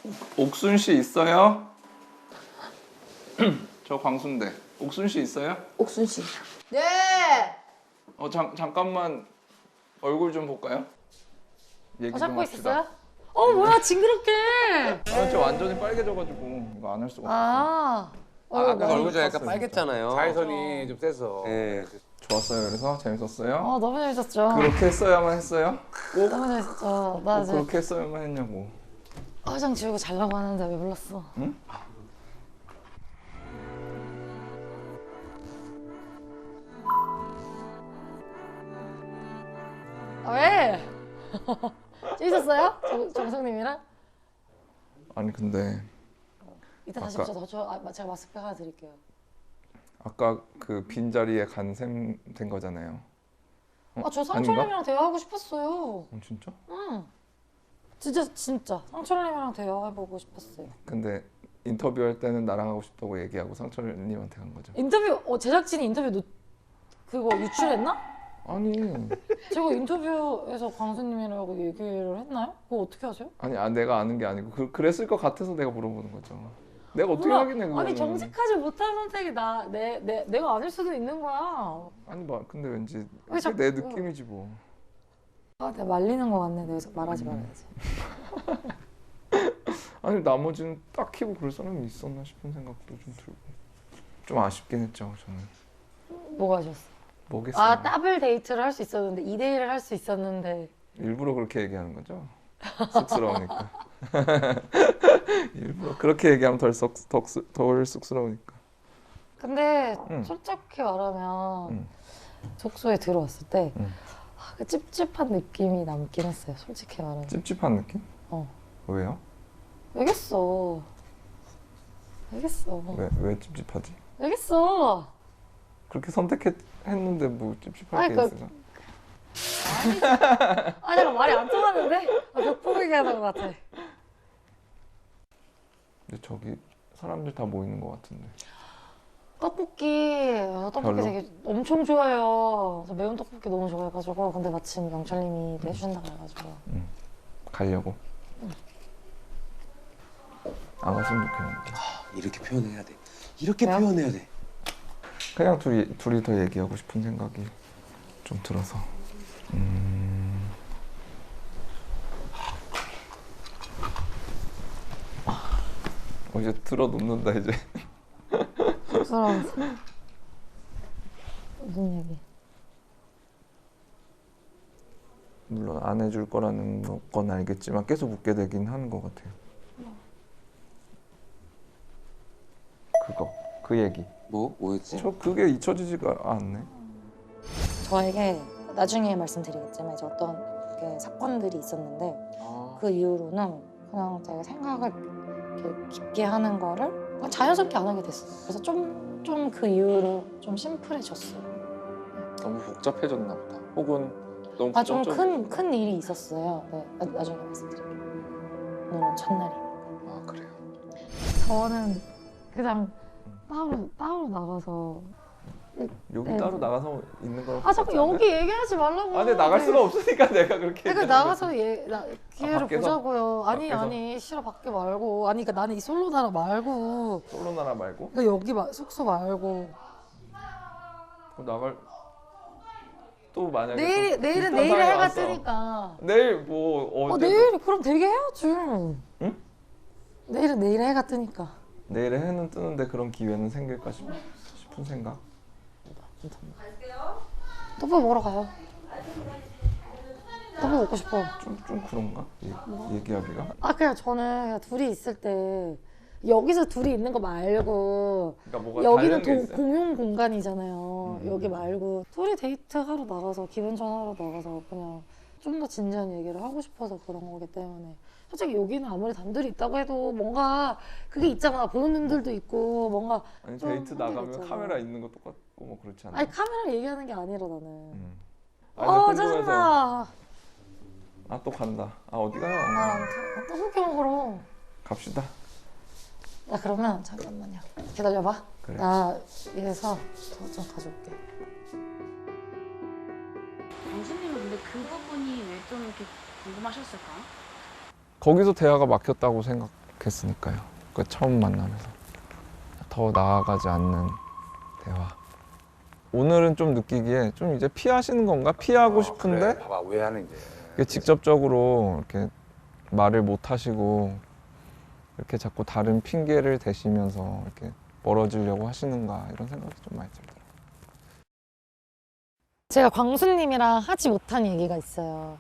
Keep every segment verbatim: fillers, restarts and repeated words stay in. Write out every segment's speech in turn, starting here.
옥순 씨 있어요? 저 광순대. 옥순 씨 있어요? 옥순 씨. 네. 어 잠, 잠깐만 얼굴 좀 볼까요? 얘기 어, 좀 잡고 합시다. 있었어요? 어 뭐야 징그럽게. 아, 저 완전히 빨개져가지고 이거 안 할 수가 없어. 아. 아, 아까 많이 얼굴 좀 약간 컸어요, 빨갰잖아요. 자외선이 좀 세서. 예. 좋았어요. 그래서 재밌었어요? 어 너무 재밌었죠. 그렇게 했어야만 했어요? 꼭, 너무 재밌었죠. 나 꼭 이제 그렇게 했어야만 했냐고. 화장 지우고 자려고 하는데 왜 불렀어? 응? 아, 왜? 재밌었어요? 정, 정성님이랑? 아니 근데 이따 다시 아까- 보자. 저, 아, 제가 마스크 하나 드릴게요. 아까 그 빈자리에 간 셈 된 거잖아요. 어? 아, 저 아닌가? 상철님이랑 대화하고 싶었어요. 어, 진짜? 응. 진짜 진짜 상철님이랑 대화해보고 싶었어요. 근데 인터뷰할 때는 나랑 하고 싶다고 얘기하고 상철님한테 간 거죠. 인터뷰 어, 제작진이 인터뷰 노, 그거 유출했나? 아니 제가 인터뷰에서 광수님이라고 얘기를 했나요? 그거 어떻게 하세요? 아니 아, 내가 아는 게 아니고 그, 그랬을 것 같아서 내가 물어보는 거죠. 내가 어떻게 몰라. 하겠네 그거는. 아니 정직하지 못한 선택이 나, 내, 내, 내가 아닐 수도 있는 거야. 아니 뭐 근데 왠지 왜 그게 자꾸- 내 느낌이지 뭐. 아, 내가 말리는 거 같네. 내가 말하지 음. 말아야지. 아니 나머지는 딱히 뭐 그럴 사람이 있었나 싶은 생각도 좀 들고 좀 아쉽긴 했죠 저는. 뭐가 하셨어? 뭐겠어요. 아, 더블 데이트를 할 수 있었는데 이 대 일을 할 수 있었는데 일부러 그렇게 얘기하는 거죠? 쑥스러우니까. 일부러 그렇게 얘기하면 덜, 썩, 덜, 쑥- 덜 쑥스러우니까. 근데 응. 솔직히 말하면 응. 족소에 들어왔을 때 응. 아, 그 찝찝한 느낌이 남긴 했어요. 솔직히 말하면. 찝찝한 느낌? 어. 왜요? 왜겠어? 왜겠어? 왜, 왜 찝찝하지? 왜겠어? 그렇게 선택했는데 뭐 찝찝할 아니, 게 그- 있어요? 아, 내가 말이 안 통하는데? 아, 벽보기 하는 것 같아. 근데 저기 사람들 다 모이는 것 같은데. 떡볶이, 아, 떡볶이 별로? 되게 엄청 좋아해요. 저 매운 떡볶이 너무 좋아해가지고. 근데 마침 영철님이 또 해주신다고 해가지고. 가려고. 안 갔으면 좋겠는데. 이렇게 표현해야 돼. 이렇게 왜요? 표현해야 돼. 그냥 둘이, 둘이 더 얘기하고 싶은 생각이 좀 들어서. 음... 어, 이제 들어 눕는다 이제. 쑥스러워서. 무슨 얘기? 물론 안 해줄 거라는 건 알겠지만 계속 묻게 되긴 하는 것 같아요. 그거, 그 얘기. 뭐? 뭐였지? 저 그게 잊혀지지가 않네. 저에게 나중에 말씀드리겠지만 이제 어떤 게 사건들이 있었는데 아, 그 이후로는 그냥 제가 생각을 이렇게 깊게 하는 거를 그냥 자연스럽게 안 하게 됐어요. 그래서 좀 좀 그 이후로 좀 심플해졌어요. 너무 복잡해졌나 보다. 혹은 너무 아, 좀 부정적인- 큰 큰 일이 있었어요. 네, 나, 나중에 말씀드릴게요. 오늘은 첫날이. 아 그래요. 저는 그냥 따로 따로 나가서 여기 네. 따로 나가서 있는 거랑 아 자꾸 똑같지 여기 얘기하지 말라고. 않아요? 아 근데 나갈 수가 없으니까 내가 그렇게 그러니까 얘기하는 나가서 얘, 나, 기회를 밖에서? 보자고요. 아니 밖에서? 아니 싫어 밖에 말고. 아니 그러니까 나는 이 솔로 나라 말고. 거지. 솔로 나라 말고 그러니까 여기 마, 숙소 말고. 그럼 나갈 또 만약에 내일 또 내일은 비슷한 내일에 상황이 해가 왔어. 뜨니까. 내일 뭐 어 어제 내일 그럼 되게 해야지. 응? 내일은 내일에 해가 뜨니까. 내일에 해는 뜨는데 그런 기회는 생길까 싶, 싶은 생각. 떡볶이 먹으러 가요. 떡볶이 먹고 싶어. 좀 좀 그런가? 얘, 얘기하기가. 아 그냥 저는 그냥 둘이 있을 때 여기서 둘이 있는 거 말고 그러니까 뭐가 여기는 다른 게 도, 있어요? 공용 공간이잖아요. 음. 여기 말고 둘이 데이트 하러 나가서 기분 전하러 나가서 그냥 좀 더 진지한 얘기를 하고 싶어서 그런 거기 때문에 솔직히 여기는 아무리 단둘이 있다고 해도 뭔가 그게 있잖아. 보는 눈들도 있고 뭔가 아니 좀 데이트 한계가 나가면 있잖아. 카메라 있는 거 똑같고 뭐 그렇지 않아? 아니 카메라를 얘기하는 게 아니라 나는 음. 어 근데 궁금해서. 짜증나. 아 또 간다. 아 어디 가요? 나 떡볶이 먹으러. 갑시다. 야 그러면 잠깐만요. 기다려봐. 그래. 나 이래서 저 좀 가져올게. 교수님은 근데 그 부분이 왜 좀 이렇게 궁금하셨을까? 거기서 대화가 막혔다고 생각 시작했으니까요. 그 처음 만남에서 더 나아가지 않는 대화. 오늘은 좀 느끼기에 좀 이제 피하시는 건가? 피하고 어, 싶은데 그래. 봐봐 오해하는 게. 이렇게 직접적으로 이렇게 말을 못 하시고 이렇게 자꾸 다른 핑계를 대시면서 이렇게 멀어지려고 하시는가 이런 생각이 좀 많이 들더라고요. 제가 광수님이랑 하지 못한 얘기가 있어요.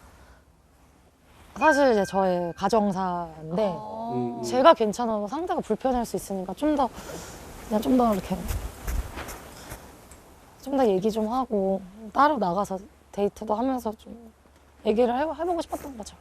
사실 이제 저의 가정사인데 음, 제가 괜찮아도 상대가 불편할 수 있으니까 좀 더 그냥 좀 더 이렇게 좀 더 얘기 좀 하고 따로 나가서 데이트도 하면서 좀 얘기를 해, 해보고 싶었던 거죠.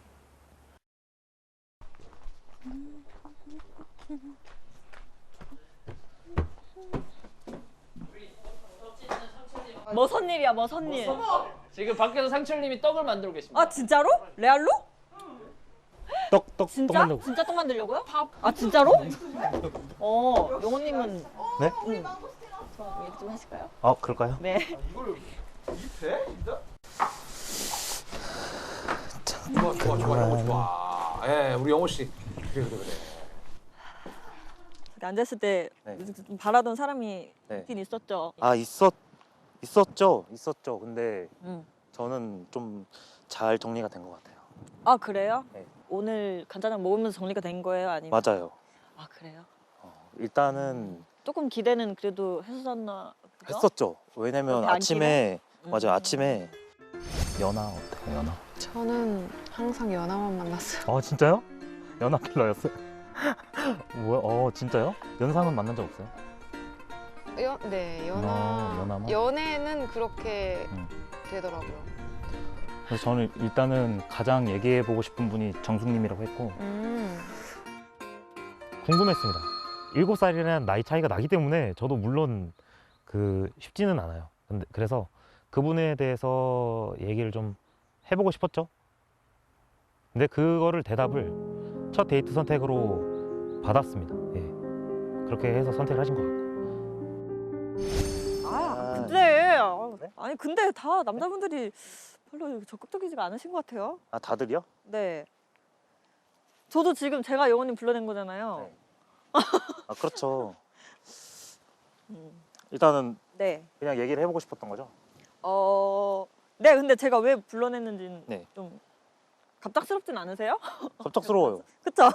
뭐 선일이야 뭐 선일. 지금 밖에서 상철님이 떡을 만들고 계십니다. 아 진짜로? 레알로? 떡, 떡, 떡 진짜? 만들고. 진짜 떡 만들려고요? 아 진짜로? 어 용호님은 네? 응. 저 얘기 좀 하실까요? 아, 그럴까요? 네. 좋아 좋아 좋아 영호 좋아. 예 우리 영호 씨. 그래 그래 그래. 앉았을 때 네. 좀 바라던 사람이 네. 있긴 있었죠. 아, 있었, 있었죠. 있었죠. 근데 응. 저는 좀 잘 정리가 된 것 같아요. 아 그래요? 네. 오늘 간단하게 먹으면서 정리가 된 거예요? 아니면? 맞아요. 아 그래요? 어, 일단은 조금 기대는 그래도 했었나? 보죠? 했었죠. 왜냐면 그렇게 안 아침에, 음. 맞아요. 아침에 연하 어때요, 연하? 저는 항상 연하만 만났어요. 어, 진짜요? 연하 킬러였어요? 뭐야? 어, 진짜요? 연상은 만난 적 없어요? 연, 네, 연하. 어, 연하만? 연애는 그렇게 음. 되더라고요. 그래서 저는 일단은 가장 얘기해보고 싶은 분이 정숙님이라고 했고 음. 궁금했습니다. 일곱 살이라는 나이 차이가 나기 때문에 저도 물론 그 쉽지는 않아요. 근데 그래서 그분에 대해서 얘기를 좀 해보고 싶었죠. 근데 그거를 대답을 첫 데이트 선택으로 받았습니다. 예. 그렇게 해서 선택을 하신 것 같고. 아 아, 근데 네? 아니 근데 다 남자분들이 별로 적극적이지가 않으신 것 같아요. 아, 다들이요? 네. 저도 지금 제가 영호님 불러낸 거잖아요. 네. 아, 그렇죠. 음. 일단은 네. 그냥 얘기를 해보고 싶었던 거죠. 어, 네. 근데 제가 왜 불러냈는지는 네. 좀 갑작스럽진 않으세요? 갑작스러워요. 그쵸?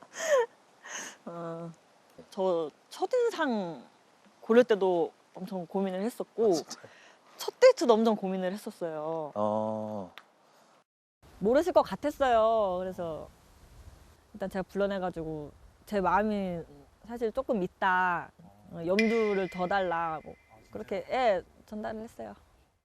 어, 저 첫인상 고를 때도 엄청 고민을 했었고 첫 데이트도 엄청 고민을 했었어요. 어, 모르실 것 같았어요. 그래서 일단 제가 불러내가지고 제 마음이 사실 조금 있다. 어, 염두를 더 달라. 뭐 그렇게 예, 전달을 했어요.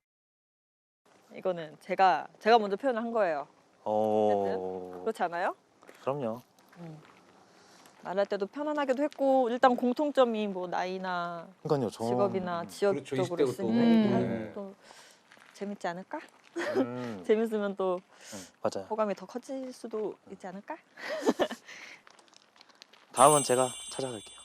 이거는 제가 제가 먼저 표현을 한 거예요. 어, 그렇지 않아요? 그럼요. 음. 말할 때도 편안하게도 했고 일단 공통점이 뭐 나이나 그러니까요. 저 직업이나 지역 그렇죠, 쪽으로 이십 대고 또. 있으니까 음. 얘기하면 또 재밌지 않을까? 음, 재밌으면 또 음, 맞아요. 호감이 더 커질 수도 있지 않을까? 다음은 제가 찾아갈게요.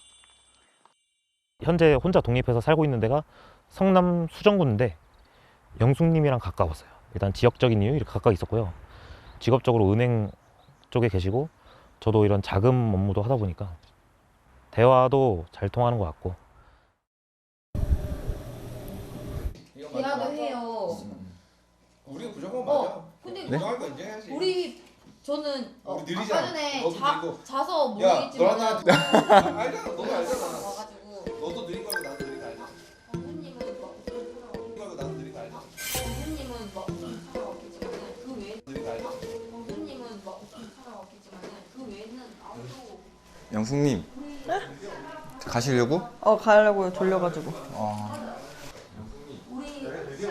현재 혼자 독립해서 살고 있는 데가 성남 수정구인데 영숙님이랑 가까웠어요. 일단 지역적인 이유 이렇게 가까이 있었고요. 직업적으로 은행 쪽에 계시고 저도 이런 자금 업무도 하다 보니까 대화도 잘 통하는 것 같고. 대화도 해요. 우리 무조건 어, 근데 정할 거 이제 해야지. 우리 저는 어, 우리 느리잖아. 아까 전에 너도 자, 느리고. 자서 야, 모르겠지만 너랑 나한테 알잖아. 너도 알잖아. 와가지고 너도 느린 거고 나도 느린 거 알잖아. 어머님은 막 무슨 사람 느린 거고 나도 느린 거 알잖아. 어머님은 막 무슨 사람 없겠지만 그 외에 느린 거 알잖아. 어머님은 막 무슨 사람 없겠지만 그 외에는 아무도 영숙님 가시려고? 어 가려고요. 졸려가지고. 어. 우리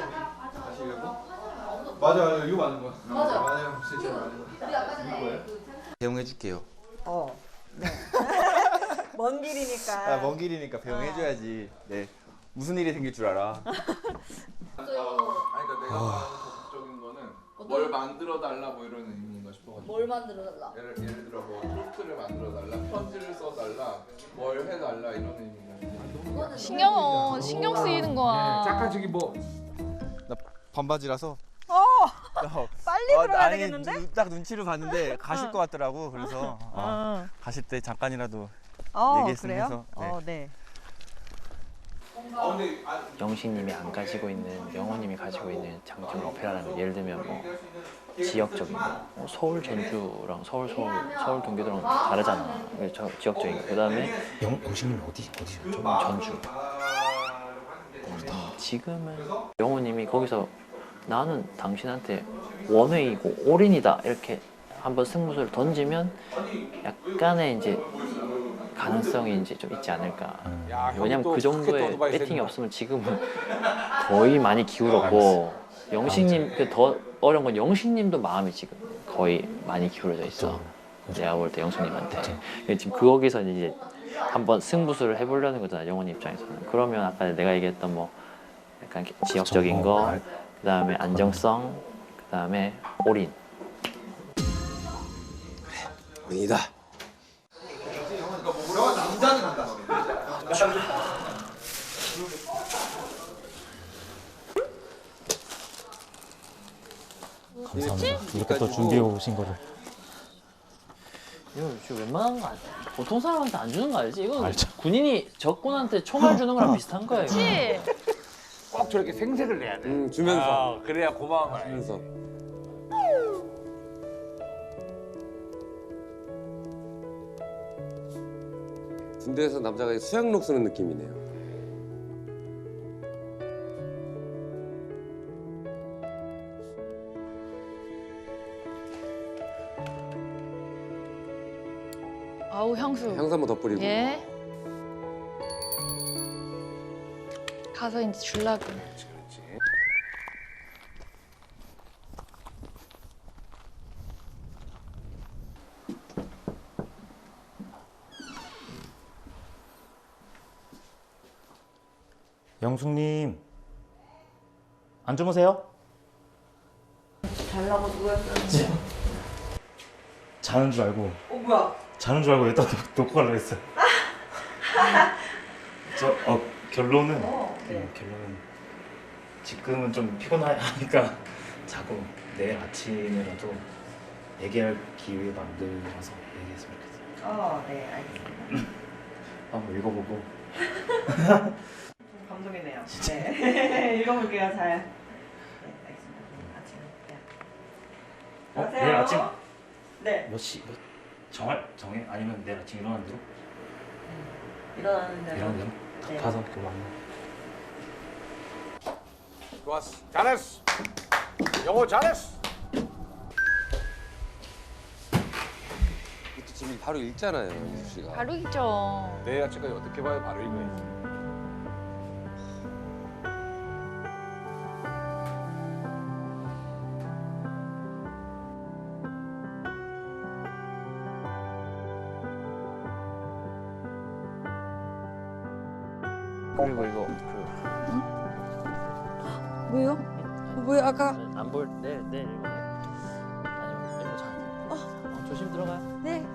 맞아, 이거 맞는 거야. 맞아. 맞아요, 진짜 맞는 거야. 우리 아까 전에 그 배웅해줄게요. 어. 네. 먼 길이니까. 아, 먼 길이니까 배웅해줘야지. 네. 무슨 일이 생길 줄 알아. 아니 그러니까 내가 말하는 적극적인 거는 뭘 만들어 달라 뭐 이런 의미인가 싶어가지고. 뭘 만들어 달라. 예를 예를 들어 뭐 토스트를 만들어 달라, 편지를 써 달라, 뭘 해 달라 이런 의미인가 싶어가지고. 신경, 어, 신경 쓰이는 거야. 잠깐 저기 뭐 나 반바지라서. 빨리 빨리 어, 들어야 아니, 되겠는데? 눈- 딱 눈치를 봤는데 가실 어. 것 같더라고. 그래서 어, 어. 가실 때 잠깐이라도 어, 얘기했으면 그래요? 해서. 네. 어, 네. 영식님이 안 가지고 있는, 영호님이 가지고 있는 장점 오페라라는 거, 예를 들면 뭐 지역적인 거, 뭐 서울 전주랑 서울 서울 서울 경기도랑 다르잖아. 이게 저 지역적인 거. 그다음에 영 영식님 어디 어디셨죠? 전주. 음, 지금은 영호님이 거기서 나는 당신한테 원웨이고 올인이다 이렇게 한번 승부수를 던지면 약간의 이제 가능성이 이제 좀 있지 않을까. 야, 형이 왜냐면 또 그 크게 또 정도의 어드바이스 배팅이 해주나. 없으면 지금은 거의 많이 기울었고 영식님 그 더 어려운 건 영식님도 마음이 지금 거의 많이 기울어져 있어. 내가 볼 때 영식님한테. 근데 지금 거기서 이제 한번 승부수를 해보려는 거잖아 영훈이 입장에서는. 그러면 아까 내가 얘기했던 뭐 약간 지역적인 거, 그 다음에 안정성, 그 다음에 올인. 아니다. 감사합니다. 이렇게 또 준비해 오신 거를. 이거 지금 웬만한 거 아니야? 보통 사람한테 안 주는 거 알지? 이거 알죠. 군인이 적군한테 총알 주는 거랑 비슷한 거예요. 그치? 꼭 저렇게 생색을 내야 돼. 음, 주면서. 아, 그래야 고마운 거야. 주면서. 군대에서 남자가 수양록 쓰는 느낌이네요. 아우 향수. 향수 한번 더 뿌리고. 예. 가서 이제 줄라고. 그렇지, 그렇지. 영숙님 안 주무세요? 잘라고 누구였어? 자는 줄 알고. 어, 뭐야? 자는 줄 알고 여기다 놓- 놓고 가려고 했어요. 저, 어, 결론은, 어, 네. 음, 결론은 지금은 좀 피곤하니까 자고 내일 아침에라도 얘기할 기회 만들어서 얘기했으면 좋겠어요. 어, 네, 알겠습니다. 한번 읽어보고. 좀 감동이네요. 네. 읽어볼게요, 잘. 네, 알겠습니다. 아침. 네. 어, 내일 아침 네. 몇 시? 몇, 정할, 정해? 아니면 내일 아침 일어나는 대로? 일어나는 대로. 일어나는 대로? 네. 가서 이렇게 만나. 좋았어. 잘했어. 영호 잘했어. 이것도 지금 바로 읽잖아요, 유수 씨가. 바로 있죠. 내일 아침까지 어떻게 봐요? 바로 이거야지. 그리고 이거 그 왜요? 왜 아까 안 볼 내일 내일 이거 아니면 이거 자. 어. 조심 들어가요. 네